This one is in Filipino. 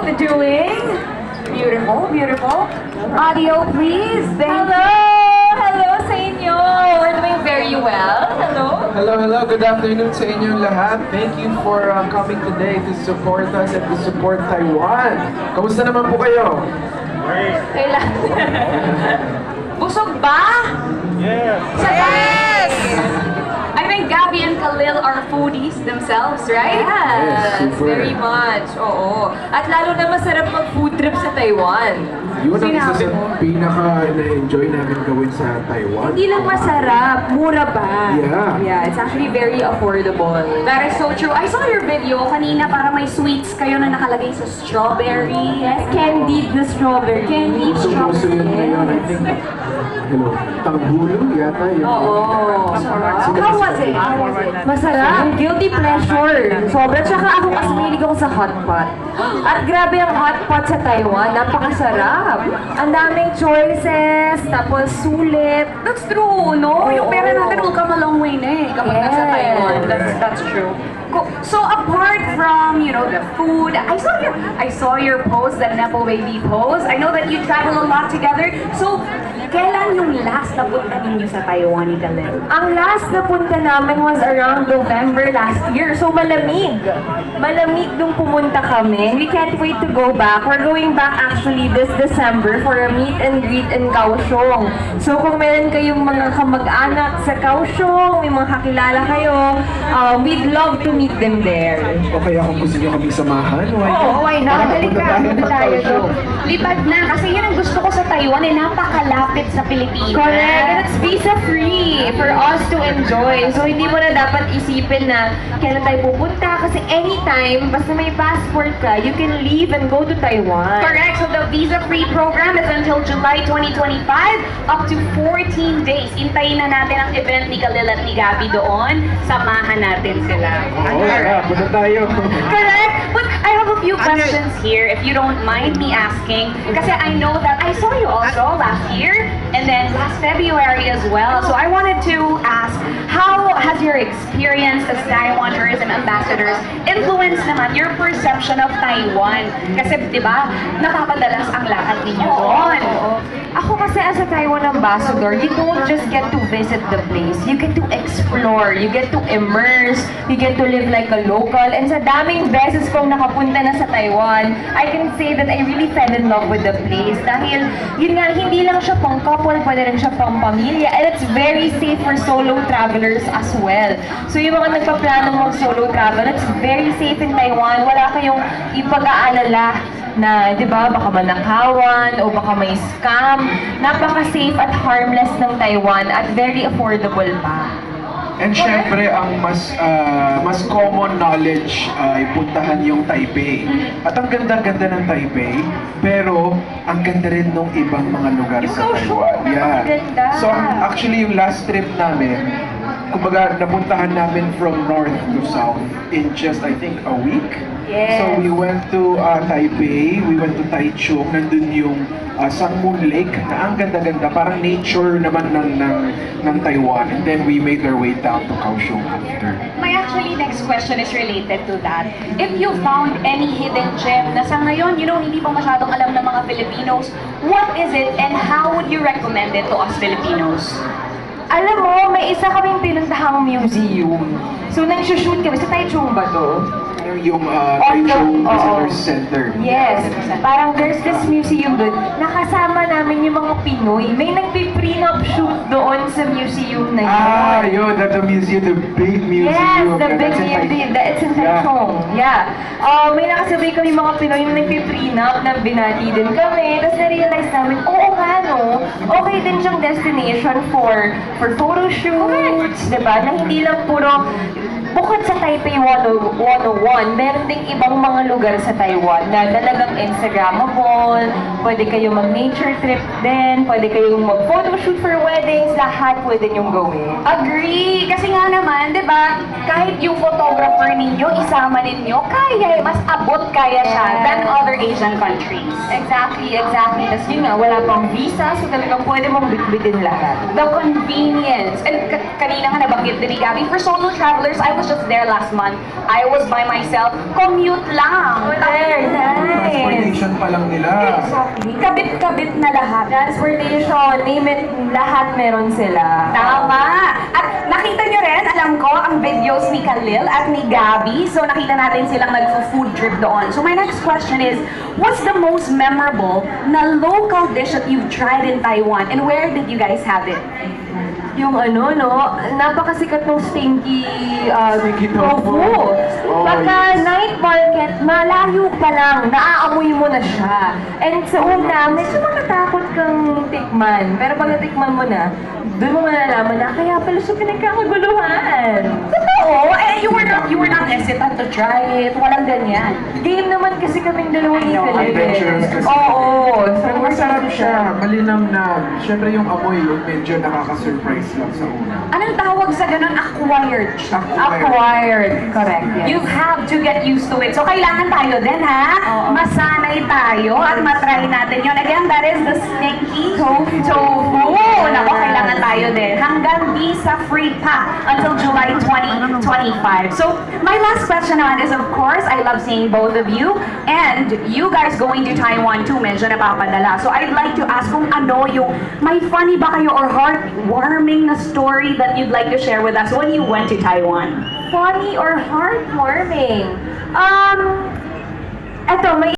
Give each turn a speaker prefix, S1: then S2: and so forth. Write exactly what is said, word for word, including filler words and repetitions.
S1: doing? Beautiful, beautiful. Audio, please. Thank
S2: Hello! Hello sa inyo! We're doing very well. Hello?
S3: Hello, hello. Good afternoon sa inyong lahat. Thank you for uh, coming today to support us and to support Taiwan. Kamusta naman po kayo?
S2: Kailan? Busog ba?
S3: Yes!
S2: Yes! I think Gabby and Khalil are foodies themselves, right?
S3: Yes, super.
S2: Very much. Oo. At lalo na masarap mag-food trip sa Taiwan.
S3: Yun ang isa
S2: Sinabi
S3: sa
S2: mo.
S3: pinaka-na-enjoy namin gawin sa Taiwan.
S1: Hindi lang masarap, mura pa.
S3: Yeah.
S1: Yeah, it's actually very affordable.
S2: That is so true. I saw your video kanina para may sweets kayo na nakalagay sa strawberry.
S1: Yes, candied na strawberry. Candied
S3: Uso-uso yun ngayon. I think, hello, tanggulo yata yun.
S2: Oo.
S3: Sino
S1: How
S3: ba-
S1: was it? How was it? Masarap. Guilty pleasure. Sobra. Tsaka ako kasi mahilig ako sa hot pot. At grabe ang hot pot sa Taiwan. Napakasarap. Ang daming choices. Tapos sulit.
S2: That's true, no? Yung pera natin will come a long way na eh kapag nasa
S1: Yes.
S2: Taiwan. That's, that's true. Co- So apart from, you know, the food, I saw your I saw your post, the Nepo Baby post. I know that you travel a lot together. So, kailan yung last na punta ninyo sa Taiwan ni Khalil?
S1: Ang last na punta namin was around November last year. So malamig. Malamig nung pumunta kami. We can't wait to go back. We're going back actually this December for a meet and greet in Kaohsiung. So kung meron kayong mga kamag-anak sa Kaohsiung, may mga kakilala kayo, uh, we'd love to meet them there.
S3: O kaya kung gusto nyo kaming samahan, why not?
S2: Oo, why not?
S3: Tara,
S2: Halika,
S3: punta tayo
S2: punta
S3: ng
S2: tayo
S3: Kaohsiung.
S2: doon. Lipad na, kasi yun ang gusto ko sa Taiwan, eh, napakalapit sa Pilipinas.
S1: Correct. And it's visa-free for us to enjoy. So, hindi mo na dapat isipin na kailan tayo pupunta. Kasi anytime, basta may passport ka, you can leave and go to Taiwan.
S2: Correct. So the visa-free program is until July twenty twenty-five, up to fourteen days. Intayin na natin ang event ni Khalil at ni Gabby doon. Samahan natin sila.
S3: Oo, tara, punta tayo.
S2: Correct. But I have a few questions here, if you don't mind me asking. Kasi I know that I saw you also last year and then last February as well. So I wanted to ask, how has your experience as Taiwan Tourism Ambassadors influenced naman your perception of Taiwan? Kasi di ba, napapadalas ang lakad ninyo doon.
S1: Ako kasi as a Taiwan ambassador, you don't just get to visit the place. You get to explore, you get to immerse, you get to live like a local. And sa daming beses kong nakapunta na sa Taiwan, I can say that I really fell in love with the place. Dahil yun nga, hindi lang siya pang couple, pwede rin siya pang pamilya. And it's very safe for solo travelers as well. So yung mga nagpa-planong mag-solo travel, it's very safe in Taiwan. Wala kayong ipag-aalala na, di ba, baka manakawan o baka may scam. Napaka-safe at harmless ng Taiwan at very affordable pa.
S3: And syempre, ang mas ah, mas common knowledge ay puntahan yung Taipei. At ang ganda-ganda ng Taipei, pero ang ganda rin ng ibang mga lugar
S1: Yung
S3: sa
S1: Kaohsiung,
S3: Taiwan. Yeah.
S1: napakaganda.
S3: So actually yung last trip namin, kumbaga napuntahan namin from north to south in just I think a week.
S1: Yes.
S3: So we went to uh, Taipei, we went to Taichung, nandun yung uh, Sangmun Lake na ang ganda-ganda, parang nature naman ng, ng, ng Taiwan. And then we made our way down to Kaohsiung after.
S2: My actually next question is related to that. If you found any hidden gem na sa ngayon, you know, hindi pa masyadong alam ng mga Filipinos, what is it and how would you recommend it to us Filipinos?
S1: Alam mo, may isa kaming pinuntahang museum. So, nag-shoot kami. Sa Taichung ba to?
S3: Yung uh,
S1: Oo,
S3: Taichung
S1: oo.
S3: Visitor Center.
S1: Yes. Parang there's this museum doon. Nakasama namin yung mga Pinoy. May nagpi-prenup shoot doon sa museum na yun.
S3: Ah, yun, that's the museum, the big museum.
S1: Yes, the
S3: Yeah,
S1: big
S3: that's in Tai-
S1: museum. That it's in
S3: Yeah.
S1: Taichung. Yeah. Uh, may nakasabay kami mga Pinoy na nagpi-prenup na binati din kami. Tapos na-realize namin, oo nga no, okay din siyang destination for for photo shoots, diba? Na hindi lang puro bukod sa Taipei one oh one, meron ding ibang mga lugar sa Taiwan na talagang Instagrammable, pwede kayo mag-nature trip din, pwede kayong mag-photoshoot for weddings, lahat pwede niyong gawin.
S2: Agree! Kasi nga naman, di ba, kahit yung photographer ninyo, isama ninyo, kaya, mas abot kaya siya
S1: Yes.
S2: than other Asian countries.
S1: Exactly, exactly. Tapos yun nga, wala pang visa, so talagang pwede mong bitbitin lahat.
S2: The convenience. And ka- kanina nga nabanggit din ni Gabby, for solo travelers, I was was just there last month. I was by myself. Commute lang.
S1: Very nice.
S3: Transportation pa lang nila.
S2: Exactly. Kabit-kabit na lahat.
S1: Transportation, name it, lahat meron sila.
S2: Tama! At nakita niyo rin, alam ko, ang videos ni Khalil at ni Gabby. So nakita natin silang nag-food trip doon. So my next question is, what's the most memorable na local dish that you've tried in Taiwan? And where did you guys have it?
S1: Yung ano, no, napakasikat ng stinky, uh,
S3: Stinky
S1: tofu.
S3: tofu. Oh,
S1: Pagka
S3: yes.
S1: night market, malayo pa lang, naaamoy mo na siya. And sa una, medyo matatakot kang tikman. Pero pag natikman mo na, doon mo malalaman na, kaya pala siya pinagkakaguluhan.
S2: Totoo! Eh, you were not, you were not hesitant to try it. Walang ganyan.
S1: Game naman kasi kaming dalawa ni
S2: I know,
S1: Felipe.
S3: adventurous kasi.
S1: Oo. So,
S3: Pero masarap siya, malinamnam. Siyempre yung amoy yung medyo nakaka-surprise lang sa una.
S2: Anong tawag sa ganun? Acquired siya.
S1: Acquired. Correct. Yes.
S2: You have to get used to it. So, kailangan tayo din, ha?
S1: Oo.
S2: Masanay tayo at matry natin yun. Again, that is the stinky tofu. Tofu. Nako, kailangan tayo din. Hanggang visa-free pa until July twenty twenty-five. So, my last question naman is, of course, I love seeing both of you. And you guys going to Taiwan too, medyo napapadala. So, I'd like to ask kung ano yung, may funny ba kayo or heartwarming na story that you'd like to share with us when you went to Taiwan?
S1: Funny or heartwarming? Um, eto, may